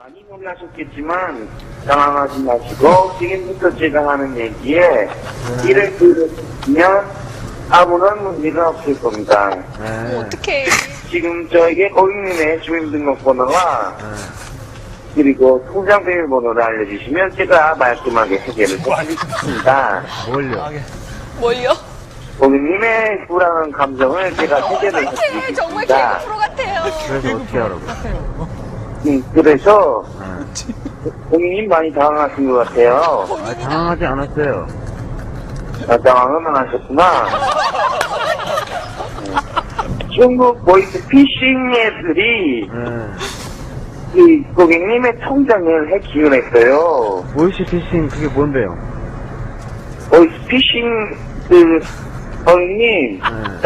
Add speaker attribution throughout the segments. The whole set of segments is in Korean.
Speaker 1: 많이 놀라셨겠지만 당황하지 마시고 지금부터 제가 하는 얘기에 이를 들으면 아무런 문제가 없을 겁니다.
Speaker 2: 어떡해.
Speaker 1: 지금 저에게 고객님의 주민등록번호와 그리고 통장 비밀번호를 알려주시면 제가 말끔하게 해결을 해드리겠습니다.
Speaker 2: 뭘요?
Speaker 1: 고객님의 불안한 감정을 제가 해결을
Speaker 2: 어떡해. 정말
Speaker 1: 해드리겠습니다.
Speaker 2: 개그 프로 같아요.
Speaker 3: 그래서 어떻게 하라고?
Speaker 1: 그래서 고객님 많이 당황하신 것 같아요.
Speaker 3: 당황하지 않았어요.
Speaker 1: 당황은 안 하셨구나. 중국 보이스 피싱 앱들이 이 고객님의 통장을 해킹을 했어요.
Speaker 3: 보이스피싱 그게 뭔데요?
Speaker 1: 보이스 피싱 고객님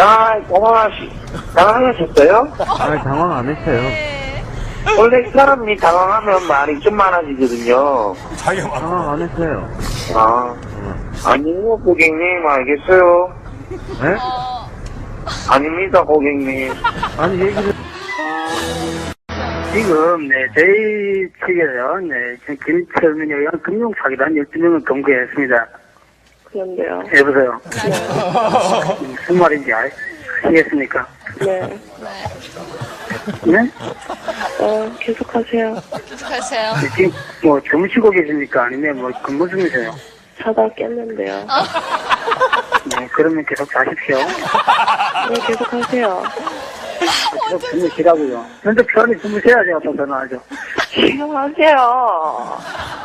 Speaker 1: 당황하셨어요?
Speaker 3: 당황 안 했어요.
Speaker 2: 네.
Speaker 1: 원래 사람이 당황하면 말이 좀 많아지거든요.
Speaker 3: 당황 안 했어요.
Speaker 1: 아니요 고객님 알겠어요.
Speaker 3: 네?
Speaker 1: 아닙니다 고객님.
Speaker 3: 아니 얘기를
Speaker 4: 지금, 저희 측에서, 김철민에 의한 금융사기단 12명을 검거했습니다.
Speaker 5: 그런데요.
Speaker 4: 여보세요? 무슨 말인지 아시겠습니까?
Speaker 5: 네.
Speaker 4: 네?
Speaker 5: 계속하세요.
Speaker 2: 계속하세요.
Speaker 4: 지금, 주무시고 계십니까? 아니면 근무 중이세요?
Speaker 5: 자다 깼는데요.
Speaker 4: 네, 그러면 계속 자십시오.
Speaker 5: 네, 계속하세요.
Speaker 4: 계속 주무시라고요. 근데 편히 주무셔야지, 어떤 전화하죠.
Speaker 5: 계속하세요.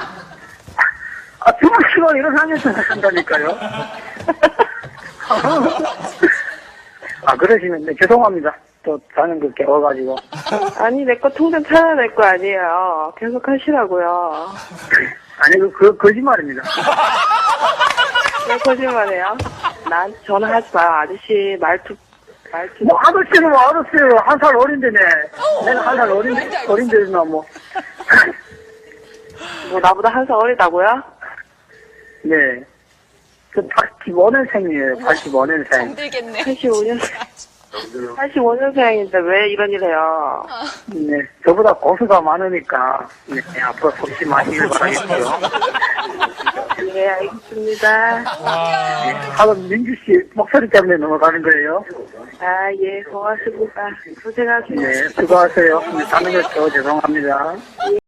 Speaker 4: 주무시고 일어나면서 한다니까요. 그러시면, 죄송합니다. 또 자는 거 깨워가지고.
Speaker 5: 아니, 내 거 통장 찾아낼 거 아니에요. 계속하시라고요.
Speaker 4: 아니, 거짓말입니다.
Speaker 5: 왜 거짓말해요? 난 전화하지 마요. 아저씨 말투.
Speaker 4: 아저씨는 알았어요. 한 살 어린데네. 내가 한 살 어린데나 뭐.
Speaker 5: 나보다 한 살 어리다고요?
Speaker 4: 네. 85년생이에요. 85년생.
Speaker 2: 정들겠네.
Speaker 5: 85년생인데 왜 이런 일 해요?
Speaker 4: 네. 저보다 고수가 많으니까, 앞으로 속시 마시길 바라겠고요.
Speaker 5: 네, 알겠습니다.
Speaker 4: 하도 민주씨 목소리 때문에 넘어가는 거예요.
Speaker 5: 예, 고맙습니다. 고생하세요.
Speaker 4: 네. 수고하세요. 자는 거 죄송합니다.